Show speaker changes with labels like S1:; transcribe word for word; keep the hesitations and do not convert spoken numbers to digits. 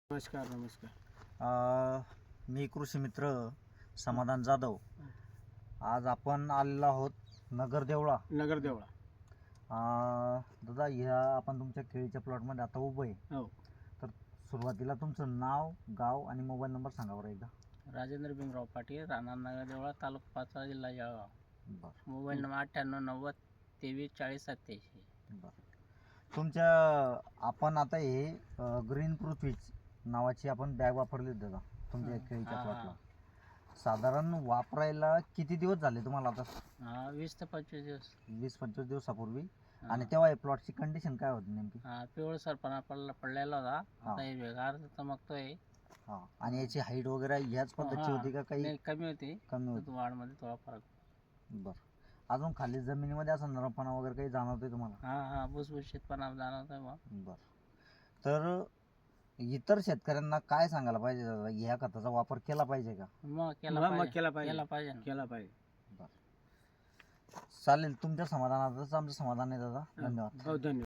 S1: नमस्कार नमस्कार
S2: अ, मी कृषी मित्र समाधान जाधव. आज आपण आलेलो आहोत नगर देवळा.
S1: नगर देवळा.
S2: अ, दादा, ह्या आपण तुमच्या केळीच्या प्लॉटमध्ये आता उभं आहे.
S1: हो.
S2: तर सुरुवातीला तुमचं नाव, गाव आणि मोबाईल नंबर सांगा बरं एकदा.
S3: राजेंद्र भीमराव पाटील, राहणार नगर देवळा, तालुका पाचोरा, जिल्हा जळगाव.
S2: बरं
S3: मोबाईल नंबर अठ्ठ्याण्णव नव्वद तेवीस चाळीस सत्याऐंशी.
S2: बरं तुमच्या आपण आता हे ग्रीन पृथ्वीज नावाची आपण बॅग वापरली होती दादा तुमच्या
S3: हं.
S2: केळीच्या
S3: हा,
S2: प्लॉटला. साधारण वापरायला किती दिवस झाले तुम्हाला आता?
S3: हा वीस ते पंचवीस दिवस.
S2: वीस पंचवीस दिवसापूर्वी.
S3: हा.
S2: आणि तेव्हा प्लॉटची कंडिशन काय होती नेमकी?
S3: हा पिवळसरपणा पडला पडलेला होता.
S2: हा.
S3: आता हे वेगार चमकतोय.
S2: हा. आणि याची हाईट वगैरे ह्याच पद्धतीची होती का काही
S3: नाही, कमी होती.
S2: कमी होती?
S3: दूध वाढमध्ये थोडा फरक.
S2: बरं. अजून खाली जमिनीमध्ये असं नरमपणा वगैरे काही जाणवतोय तुम्हाला?
S3: हा हा भुसभुशीतपणा जाणवतोय मग.
S2: बरं. तर इतर शेतकऱ्यांना काय सांगायला पाहिजे दादा, ह्या खताचा वापर केला पाहिजे का?
S3: मग केला
S1: मग- मग
S3: पाहिजे.
S1: केला पाहिजे.
S3: केला पाहिजे ना.
S1: केला पाहिजे.
S2: चालेल, तुमच्या समाधानातच आमचं समाधान आहे दादा. धन्यवाद.
S1: हो, धन्यवाद.